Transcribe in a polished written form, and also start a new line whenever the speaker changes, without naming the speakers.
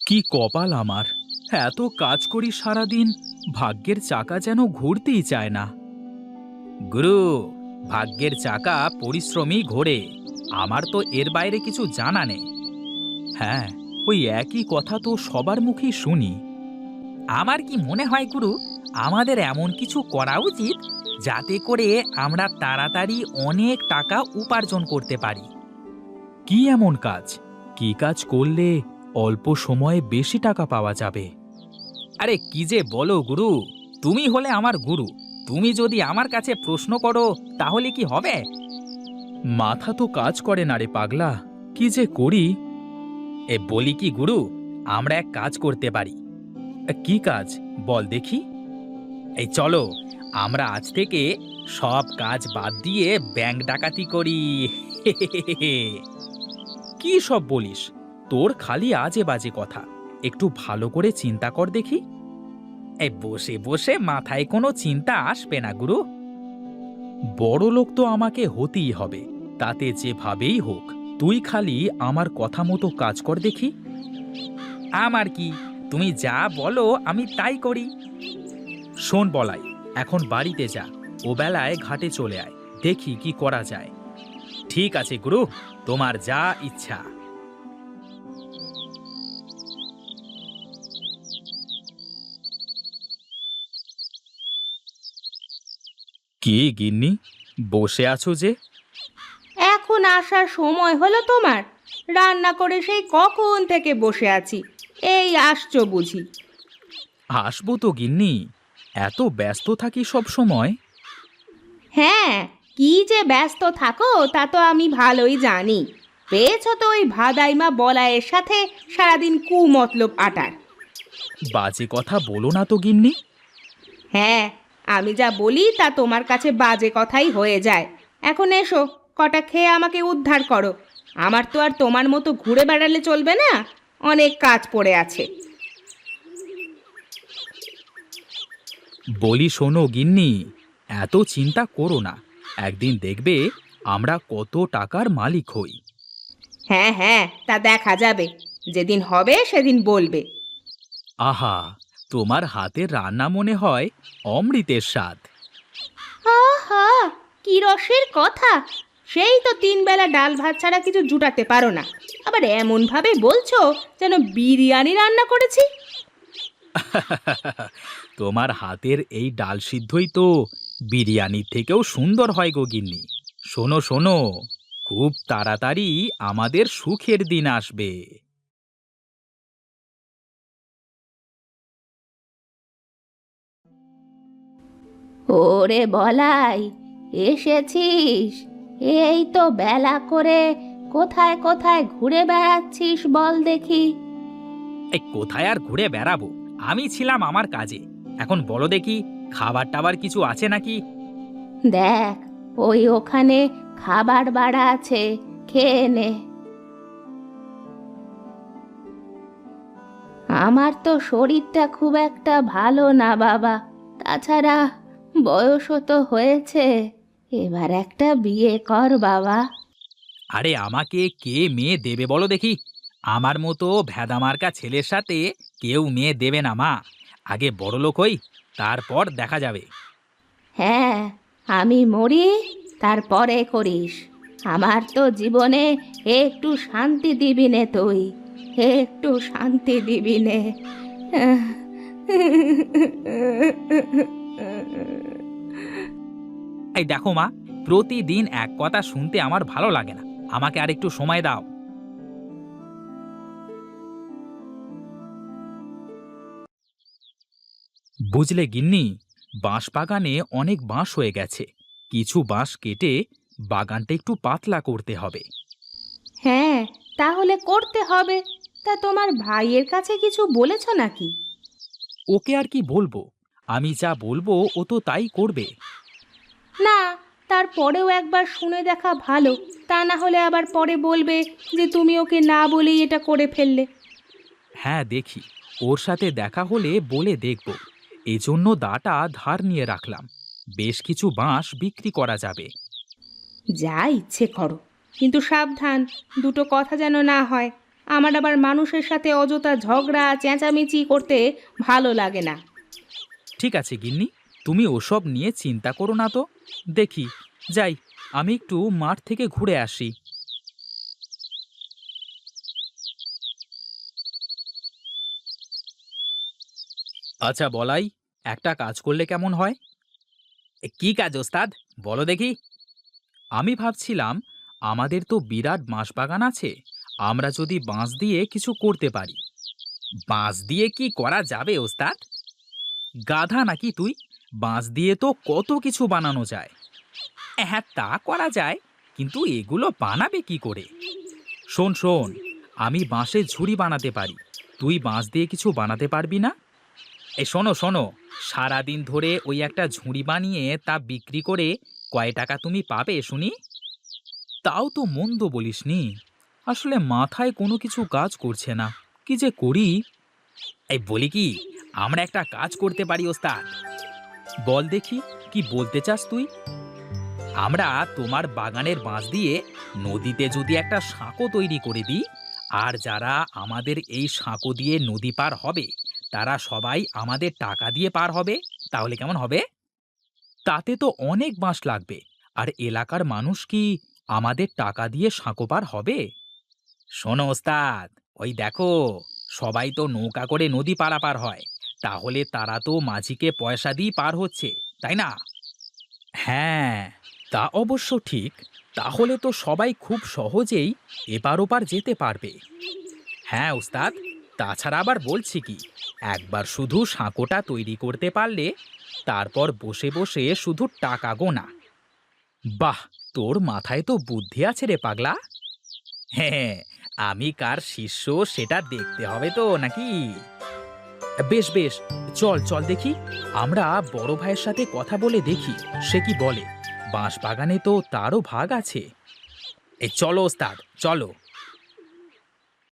কি কপাল আমার! এত কাজ করি সারাদিন, ভাগ্যের চাকা যেন ঘুরতেই চায় না। গুরু, ভাগ্যের চাকা পরিশ্রমী ঘোরে। আমার তো এর বাইরে কিছু জানা নেই। হ্যাঁ, ওই একই কথা তো সবার মুখেই শুনি। আমার কি মনে হয় গুরু, আমাদের এমন কিছু করা উচিত যাতে করে আমরা তাড়াতাড়ি অনেক টাকা উপার্জন করতে পারি। কি এমন কাজ? কি কাজ করলে অল্প সময়ে বেশি টাকা পাওয়া যাবে? আরে কি যে বলো গুরু, তুমি হলে আমার গুরু। তুমি যদি আমার কাছে প্রশ্ন করো তাহলে কি হবে? মাথা তো কাজ করে না রে পাগলা, কি যে করি। বলি কি গুরু, আমরা এক কাজ করতে পারি। কি কাজ বল দেখি? এই চলো, আমরা আজ থেকে সব কাজ বাদ দিয়ে ব্যাংক ডাকাতি করি। কি সব বলিস? তোর খালি আজে বাজে কথা। একটু ভালো করে চিন্তা কর দেখি। এই বসে বসে মাথায় কোনো চিন্তা আসবে না গুরু। বড় লোক তো আমাকে হতেই হবে, তাতে যেভাবেই হোক। তুই খালি আমার কথা মতো কাজ কর দেখি। আমার কি, তুমি যা বলো আমি তাই করি। শোন বলাই, এখন বাড়িতে যা, ও বেলায় ঘাটে চলে আয়, দেখি কি করা যায়। ঠিক আছে গুরু, তোমার যা ইচ্ছা। কি গিন্নি, বসে আছো যে?
এখন আসার সময় হলো তোমার? রান্না করে সেই কখন থেকে বসে আছি, এই আসছো বুঝি?
আসবো তো গিন্নি, এত ব্যস্ত থাকি সব সময়।
হ্যাঁ, কি যে ব্যস্ত থাকো তা তো আমি ভালোই জানি। পেয়েছো তো ওই ভাদাইমা বলায়ের সাথে সারাদিন কুমতলব আটার।
বাজে কথা বলো না তো গিন্নি।
হ্যাঁ, আমি যা বলি তা তোমার কাছে বাজে কথাই হয়ে যায়। এখন এসো, কটা খেয়ে আমাকে উদ্ধার করো। আমার তো আর তোমার মতো ঘুরে বেড়ালে চলবে না, অনেক কাজ পড়ে আছে।
বলি শোনো গিন্নি, এত চিন্তা করো না। একদিন দেখবে আমরা কত টাকার মালিক হই।
হ্যাঁ হ্যাঁ, তা দেখা যাবে, যেদিন হবে সেদিন বলবে।
আহা, তোমার হাতের রান্না মনে হয় অমৃতের স্বাদ।
আহা, কি রসের কথা! সেই তো 3 বেলা ডাল ভাত ছাড়া কিছু জুটাতে পারো না, আবার এমন ভাবে বলছো যেন বিরিয়ানি রান্না করেছি।
তোমার হাতের এই ডাল সিদ্ধই তো বিরিয়ানির থেকেও সুন্দর হয় গো গিন্নি। শোনো শোনো, খুব তাড়াতাড়ি আমাদের সুখের দিন আসবে।
ওরে বলাই, এসেছিস? এই তো বেলা করে কোথায় কোথায় ঘুরে বেড়াচ্ছিস বল দেখি।
এই কোথায় আর ঘুরে বেড়াবো, আমি ছিলাম আমার কাজে। এখন বলো দেখি, খাবার টাবার কিছু আছে নাকি?
দেখ, ওই ওখানে খাবার বাড়া আছে, খেয়ে নে। আমার তো শরীরটা খুব একটা ভালো না বাবা, তাছাড়া বয়সও তো হয়েছে, এবার একটা বিয়ে কর বাবা।
আরে আমাকে কে মেয়ে দেবে বলো দেখি? আমার মতো ভেদামার্কা ছেলের সাথে কেউ মেয়ে দেবে না মা। আগে বড়লোক হই, তারপর দেখা যাবে।
হ্যাঁ, আমি মরি তারপরে করিস। আমার তো জীবনে একটু শান্তি দিবি নে তুই, একটু শান্তি দিবি নে।
এই দেখো মা, প্রতিদিন এক কথা শুনতে আমার ভালো লাগে না। আমাকে আর একটু সময় দাও। বুঝলে গিন্নি, বাঁশ বাগানে অনেক বাঁশ হয়ে গেছে। কিছু বাঁশ কেটে বাগানটা একটু পাতলা করতে হবে।
হ্যাঁ, তাহলে করতে হবে। তা তোমার ভাইয়ের কাছে কিছু বলেছো নাকি?
ওকে আর কি বলবো, আমি যা বলবো ও তো তাই করবে।
না, তারপরেও একবার শুনে দেখা ভালো, তা না হলে আবার পরে বলবে যে তুমি ওকে না বলেই এটা করে ফেললে।
হ্যাঁ দেখি, ওর সাথে দেখা হলে বলে দেখব। এজন্য দাটা ধার নিয়ে রাখলাম। বেশ কিছু বাঁশ বিক্রি করা যাবে।
যা ইচ্ছে করো, কিন্তু সাবধান, দুটো কথা যেন না হয়। আমার আবার মানুষের সাথে অযথা ঝগড়া চেঁচামেচি করতে ভালো লাগে না।
ঠিক আছে গিন্নি, তুমি ওসব নিয়ে চিন্তা করো না তো। দেখি, যাই, আমি একটু মাঠ থেকে ঘুরে আসি। আচ্ছা বলাই, একটা কাজ করলে কেমন হয়? কি কাজ ওস্তাদ, বলো দেখি। আমি ভাবছিলাম, আমাদের তো বিরাট বাঁশবাগান আছে, আমরা যদি বাঁশ দিয়ে কিছু করতে পারি। বাঁশ দিয়ে কি করা যাবে ওস্তাদ? গাধা নাকি তুই? বাঁশ দিয়ে তো কত কিছু বানানো যায়। হ্যাঁ, তা করা যায়, কিন্তু এগুলো বানাবে কি করে? শোন শোন, আমি বাঁশের ঝুড়ি বানাতে পারি, তুই বাঁশ দিয়ে কিছু বানাতে পারবি না? এই শোনো শোনো, সারাদিন ধরে ওই একটা ঝুড়ি বানিয়ে তা বিক্রি করে কয় টাকা তুমি পাবে শুনি? তাও তো মন্দ বলিসনি। আসলে মাথায় কোনো কিছু কাজ করছে না, কি যে করি। এই বলি কি, আমরা একটা কাজ করতে পারি ওস্তাদ। বল দেখি, কি বলতে চাস তুই? আমরা তোমার বাগানের বাঁশ দিয়ে নদীতে যদি একটা সাঁকো তৈরি করে দিই, আর যারা আমাদের এই সাঁকো দিয়ে নদী পার হবে তারা সবাই আমাদের টাকা দিয়ে পার হবে, তাহলে কেমন হবে? তাতে তো অনেক বাঁশ লাগবে, আর এলাকার মানুষ কি আমাদের টাকা দিয়ে সাঁকো পার হবে? শোনো ওস্তাদ, ওই দেখো, সবাই তো নৌকা করে নদী পারাপার হয়, তাহলে তারা তো মাঝিকে পয়সা দিয়ে পার হচ্ছে, তাই না? হ্যাঁ, তা অবশ্য ঠিক। তাহলে তো সবাই খুব সহজেই এপার ওপার যেতে পারবে। হ্যাঁ ওস্তাদ, তাছাড়া আবার বলছি কি, একবার শুধু সাঁকোটা তৈরি করতে পারলে তারপর বসে বসে শুধু টাকা গোনা। বাহ, তোর মাথায় তো বুদ্ধি আছে রে পাগলা। হ্যাঁ, আমি কার শিষ্য সেটা দেখতে হবে তো নাকি? বেশ বেশ, চল চল দেখি, আমরা বড় ভাইয়ের সাথে কথা বলে দেখি সে কি বলে। বাঁশ বাগানে তো তারও ভাগ আছে। এই চলো ওস্তাদ, চলো।